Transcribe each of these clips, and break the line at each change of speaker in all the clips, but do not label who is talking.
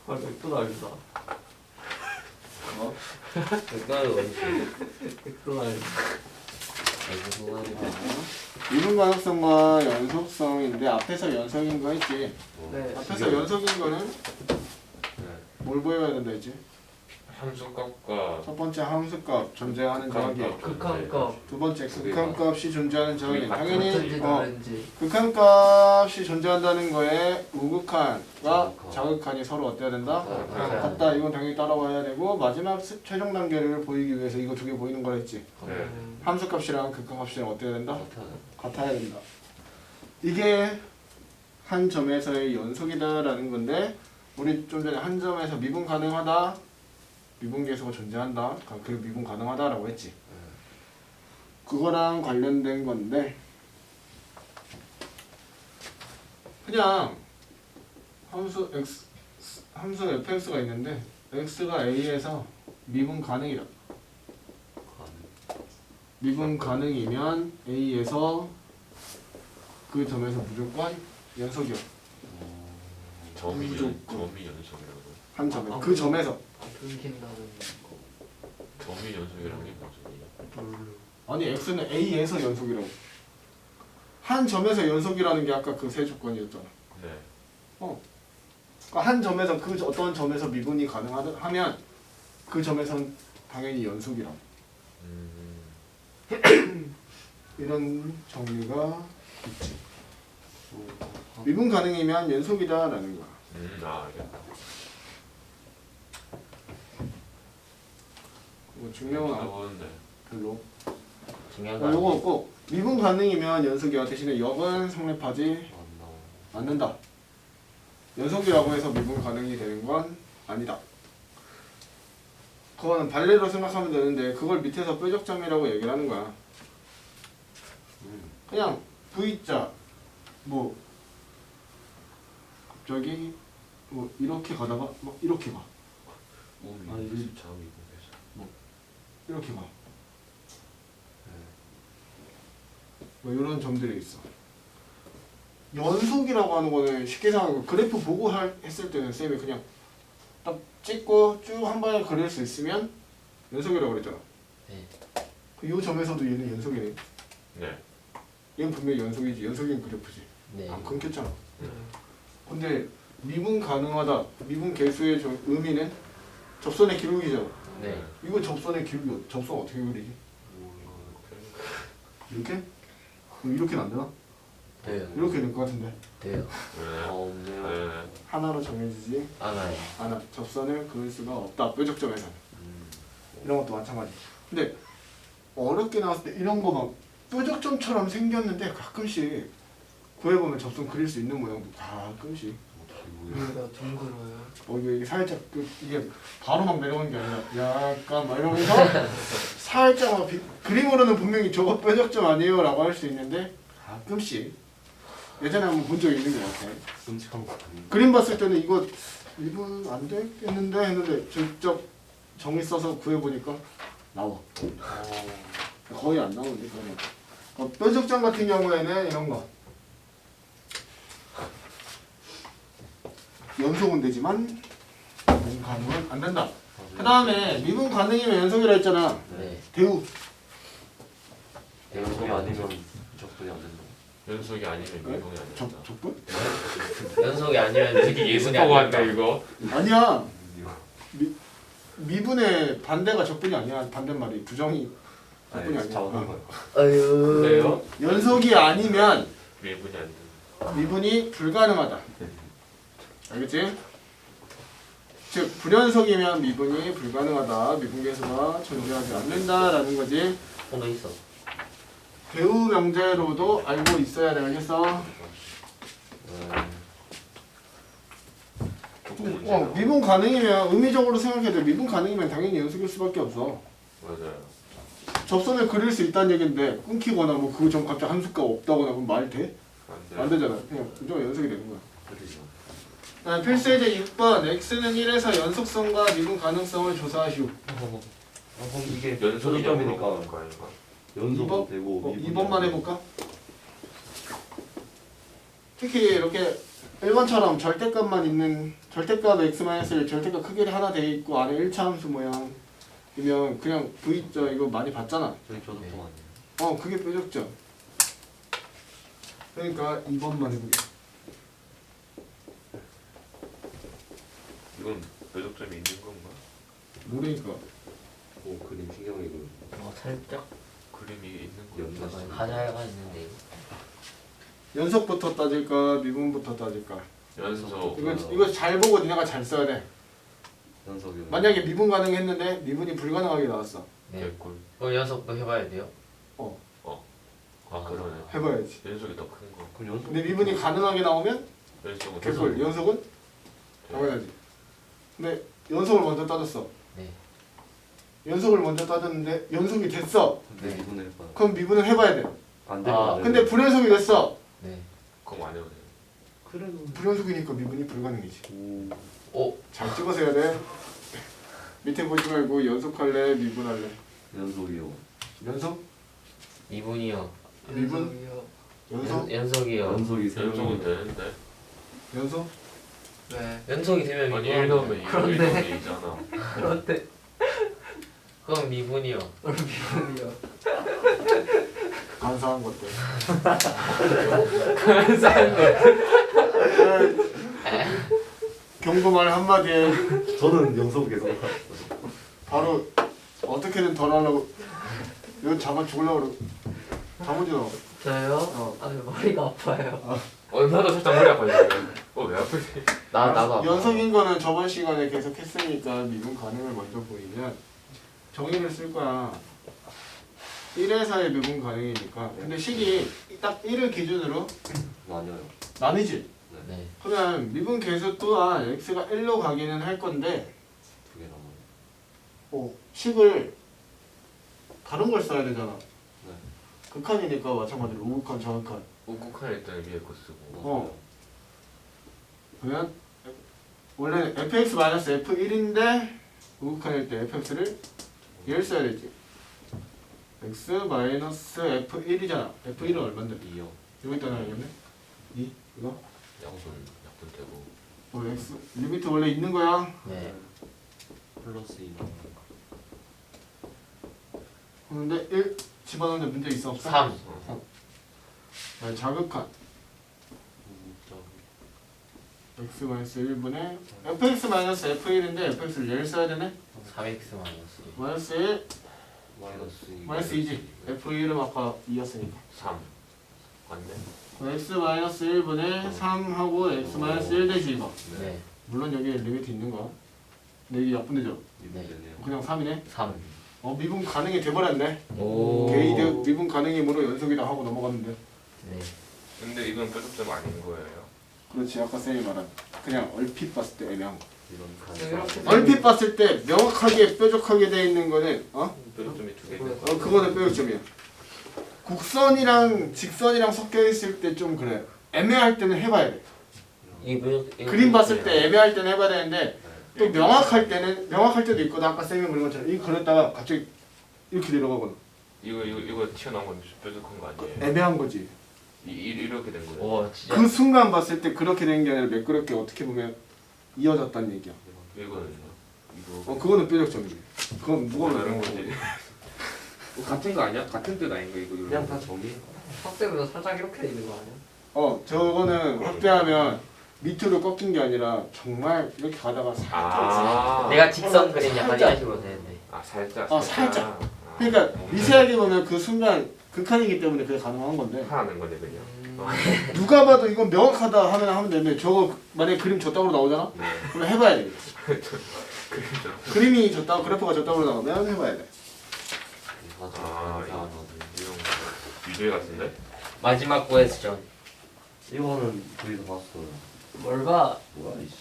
아, 맥도날드다.
뭐?
맥도날드 원수.
맥도날드.
미분 가능성과 연속성인데 앞에서 연속인 거 했지.
네.
앞에서 연속인 거는
네.
뭘 보여야 된다 했지?
함수값과
첫 번째 함수값 존재하는 저항이,
극한값.
두 번째 극한값이 존재하는 저항이.
같은지
당연히
다른지.
극한값이 존재한다는 거에 우극한과 자극한이 서로 어때야 된다? 같다. 이건 당연히 따라와야 되고 마지막 최종 단계를 보이기 위해서 이거 두 개 보이는 걸 했지.
네.
함수값이랑 극한값이랑 어때야 된다? 같아야 된다. 이게 한 점에서의 연속이다라는 건데 우리 좀 전에 한 점에서 미분 가능하다, 미분 계수가 존재한다, 그리고 미분 가능하다라고 했지. 그거랑 관련된 건데 그냥 함수 x, 함수 fx가 있는데 x가 a에서 미분 가능이다. 미분 가능이면 a에서 그 점에서 무조건 연속이요.
점이
무조건.
연속이라고요?
한 점에 그 점에서.
끊긴다는
점이 연속이라는 게 무슨
아니 x는 a에서 연속이라고. 한 점에서 연속이라는 게 아까 그 세 조건이었잖아.
네.
그러니까 한 점에서 그 어떤 점에서 미분이 가능하면 그 점에선 당연히 연속이라고. 이런 정리가 있지. 미분 가능이면 연속이다라는 거야.
알겠다.
뭐 중요한
나오는데.
별로.
중요한 거
요거 꼭 미분 가능이면 연속이야. 대신에 역은 성립하지 않는다. 연속이라고 해서 미분 가능이 되는 건 아니다. 그거는 반례로 생각하면 되는데 그걸 밑에서 뾰족점이라고 얘기를 하는 거야. 그냥 V자 뭐 갑자기 뭐 이렇게 가다가 막 이렇게 가.
아니,
이렇게 가. 뭐 이런 점들이 있어. 연속이라고 하는 거는 쉽게 생각하고 그래프 보고 했을 때는 쌤이 그냥 딱 찍고 쭉 한 번에 그릴 수 있으면 연속이라고 그랬잖아.
네.
이 점에서도 얘는 연속이네.
네.
얘는 분명히 연속이지. 연속인 그래프지.
네.
안 끊겼잖아. 근데 미분 가능하다. 미분 개수의 의미는 접선의 기울기잖아.
네.
이거 접선의 기울기, 접선 어떻게 그리지? 이렇게? 그럼 이렇게는 안 되나?
돼요.
이렇게 될 것 같은데.
돼요.
네.
없네요.
네.
하나로 정해지지
알아요.
않아. 접선을 그을 수가 없다. 뾰족점에서는. 이런 것도 마찬가지. 근데 어렵게 나왔을 때 이런 거 막 뾰족점처럼 생겼는데 가끔씩 구해보면 접선 그릴 수 있는 모양도 가끔씩.
여기가 둥글어요.
이게 살짝 이게 바로 막 내려오는 게 아니라 약간 막 이러면서 살짝 막 그림으로는 분명히 저거 뾰족점 아니에요 라고 할 수 있는데 가끔씩 예전에 한번 본 적이 있는 것 같아.
끔찍한 거.
그림 봤을 때는 이거 미분 안 되겠는데 했는데 직접 정리 써서 구해보니까 나와. 거의 안 나오는데 그러면. 뾰족점 같은 경우에는 이런 거 연속은 되지만 미분 가능은 안 된다. 그 다음에 미분 가능이면 연속이라 했잖아.
네.
대우.
연속이 아니면 적분이 안 된다.
연속이 아니면 미분이 안 된다.
적분?
연속이 아니면
되게
미분이
예습하고
안
한다
된다.
이거.
아니야. 미분의 반대가 적분이 아니야. 반대말이 부정이 적분이 아니야.
아유.
그래요?
연속이 아니면
미분이 안 된다.
미분이 불가능하다. 알겠지? 즉 불연속이면 미분이 불가능하다. 미분계수가 존재하지 않는다라는 거지.
도 있어.
배우 명제로도 알고 있어야 되겠어. 미분 가능이면 의미적으로 생각해도 미분 가능이면 당연히 연속일 수밖에 없어.
맞아요.
접선을 그릴 수 있다는 얘긴데 끊기거나 뭐 그 점 갑자기 함수가 없다거나 그럼 말 돼?
안
안
돼.
되잖아. 그냥 무조건 연속이 되는 거야. 필수예제 6번 x는 1에서 연속성과 미분 가능성을 조사하시오.
그럼 이게
연속이니까.
연속도
2번?
되고
2번만 해볼까? 특히 이렇게 1번처럼 절대값만 있는 절대값 x-1 절대값 크기를 하나 돼 있고 안에 1차함수 모양이면 그냥 V자 이거 많이 봤잖아.
저희 저도
네.
통
그게 뾰족점. 그러니까 2번만 해보게.
이건 뾰족점이 있는 건가?
모르니까.
오 그림 신경이 그
살짝
그림이 있는
연나
건가?
하자가 있는데 이거.
연속부터 따질까 미분부터 따질까.
연속.
이거 잘 보고 니네가 잘 써야 돼.
연속이
만약에 미분 가능했는데 미분이 불가능하게 나왔어.
네.
개꿀.
그럼 연속도 해봐야 돼요?
아 그러네.
해봐야지.
연속이 더 큰 거.
그럼 연속
근데 미분이 가능하게 나오면
연속은
개꿀. 연속은 잡아야지. 근데 연속을 먼저 따졌어.
네.
연속을 먼저 따졌는데 연속이 됐어.
근데 미분을 해봐
그럼 미분을 해봐야 돼.
안 되면
아,
안 돼.
근데 불연속이 됐어.
네.
그럼 안 해도 돼.
그래도
불연속이니까 미분이 불가능이지.
오.
잘 찍어서 해야 돼. 밑에 보지 말고 연속할래 미분할래.
연속이요
연속?
미분이요.
미분?
연속이요.
연속?
연속이요.
연속이 세
연속은
명이요
되는데.
연속?
네.
연속이 되면
아니
미분.
1 넣으면 2, 1
그런데.
넣으면 2잖아.
그런데
그럼 미분이요.
미분이요.
간사한 것들. 경고말 한마디에
저는 연속 계속
바로 어떻게든 덜 하려고 이거 잡아 죽으려고 그러고 잡아줘.
저요? 아 머리가 아파요.
나도 살짝 머리 아파요. 왜 아프지?
나도 아파.
연속인 거는 저번 시간에 계속 했으니까 미분 가능을 먼저 보이면 정의를 쓸 거야. 1에서의 미분 가능이니까. 근데 식이 딱 1을 기준으로
나뉘어요
나뉘지.
네.
그러면 미분 계수 또한 x가 1로 가기는 할 건데
두 개 남아요
식을 다른 걸 써야 되잖아.
네
극한이니까 마찬가지로 우극한, 저극한.
우국할 때는 위에 거 쓰고.
어. 그러면 원래 fx-f1인데 우극한일 때 fx를 얘를 써야 되지. x-f1이잖아. f1은 얼마인데?
2요
여기 있다 나야겠네. 2? 이거?
약분 되고.
x 리미트 원래 있는 거야.
네.
플러스 2
그런데 1 집어넣는 문제 있어 없어?
3.
네, 자극한 x-1분의 fx-f1인데 fx를 얘를 써야 되네?
3x 마이너스.
마이너스 1
마이너스
2지. f1은 아까 2였으니까
3. 맞네.
x-1분의 3하고 x-1 대시 이거.
네.
물론 여기에 리미트 있는 거야. 근데 이게 약분되죠?
네.
그냥 3이네?
3.
미분 가능이 돼버렸네.
오.
게이드 미분 가능이므로 연속이다 하고 넘어갔는데.
네.
근데 이건 뾰족점 아닌 거예요.
그렇지. 아까 쌤이 말한 그냥 얼핏 봤을 때 애매한 거.
이런
얼핏 봤을 때 명확하게 뾰족하게 돼 있는 거는
뾰족점이 두 개.
그거는 뾰족점이야. 곡선이랑 직선이랑 섞여 있을 때 좀 그래. 애매할 때는 해봐야 돼.
이거
그림 봤을 때 애매할 때는 해봐야 되는데 또 명확할 때도 있거든. 아까 쌤이 그린 것처럼 이 그렸다가 갑자기 이렇게 내려가거든.
이거 튀어나온 건 뾰족한 거 아니에요?
애매한 거지.
이렇게 된 거예요.
와 진짜.
그 순간 봤을 때 그렇게 된 게 아니라 매끄럽게 어떻게 보면 이어졌다는 얘기야.
이거는요. 이거.
그거는 뾰족점이지. 그건 누가
다른
말하는
거지.
거지.
같은 거 아니야? 같은 뜻 아닌가 이거?
그냥 다 정의
확대보다 살짝 이렇게 돼 있는 거 아니야?
저거는 확대하면 밑으로 꺾인 게 아니라 정말 이렇게 가다가 살짝
아.
내가 직선 그림 약간
살짝.
이런 식으로 되는데.
아 살짝.
살짝. 그러니까 미세하게 보면 그 순간 극한이기 때문에 그게 가능한 건데
하는 거네 그냥.
누가 봐도 이건 명확하다 하면 되는데 저거 만약에 그림 저따구로 나오잖아?
네.
그럼 해봐야 돼.
그림자.
그림이 저따구 그래프가 저따구로 나오면 해봐야 돼.
아 이거 이런 유죄 같은데?
마지막 고에스전.
이거는 저희도 봤어요
뭘 봐?
뭐야 이씨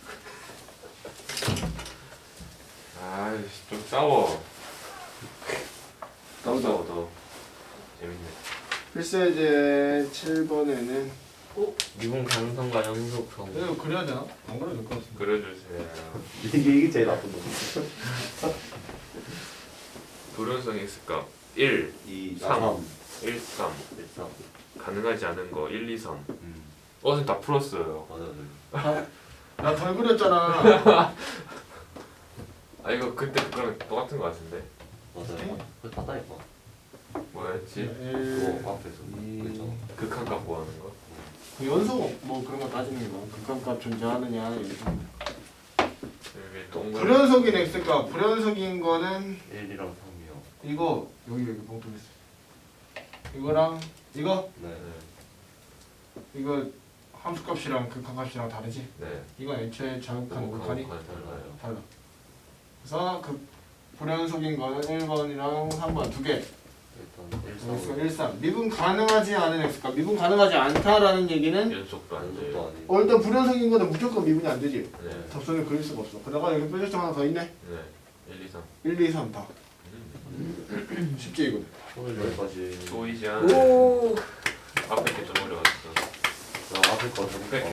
아이씨 좀 싸워. 더 싸워 더. 재밌네.
필수예제 7번에는
미분 가능성과 연속성.
이거 그려야 되나? 안 그려도 될 것 같은데.
그려주세요.
이게 제일 나쁜 거
불연성 x값 1,
2
3.
3
1, 3.
1 3
가능하지 않은 거 1, 2, 3. 선생님 다 풀었어요.
맞아요.
나 덜 그렸잖아.
아 이거 그때 그거랑 똑같은 거 같은데.
맞아요. 그거 다다니까.
뭐였지?
그거 앞에서
이-
그죠.
극한값 구하는 거.
그 연속 뭐 그런 거 따지는 게 많아. 극한값 존재하느냐 이렇게.
여기 동그란.
불연속인 x값 불연속인 거는
1이랑 3이요.
이거 여기 봉투 있어. 이거랑 이거
네.
이거 함수값이랑 극한값이랑 다르지?
네.
이건 애초에 자극한 극한이
달라요.
달라. 그래서 그 불연속인 거는 1번이랑 3번 두 개.
일단 1, 3.
그래서 1, 3. 미분 가능하지 않은 x값. 미분 가능하지 않다라는 얘기는
연속도 안
연속도
돼요.
아니고.
일단 불연속인 거는 무조건 미분이 안 되지.
네.
접선을 그릴 수가 없어. 그러다가 여기 뾰족점 하나 더 있네.
네. 1, 2, 3.
1, 2, 3 다. 쉽지 이거는.
오늘 여기까지.
보이지 않은
오.
앞에 게 좀 어려웠어.
나 앞에 거 좀.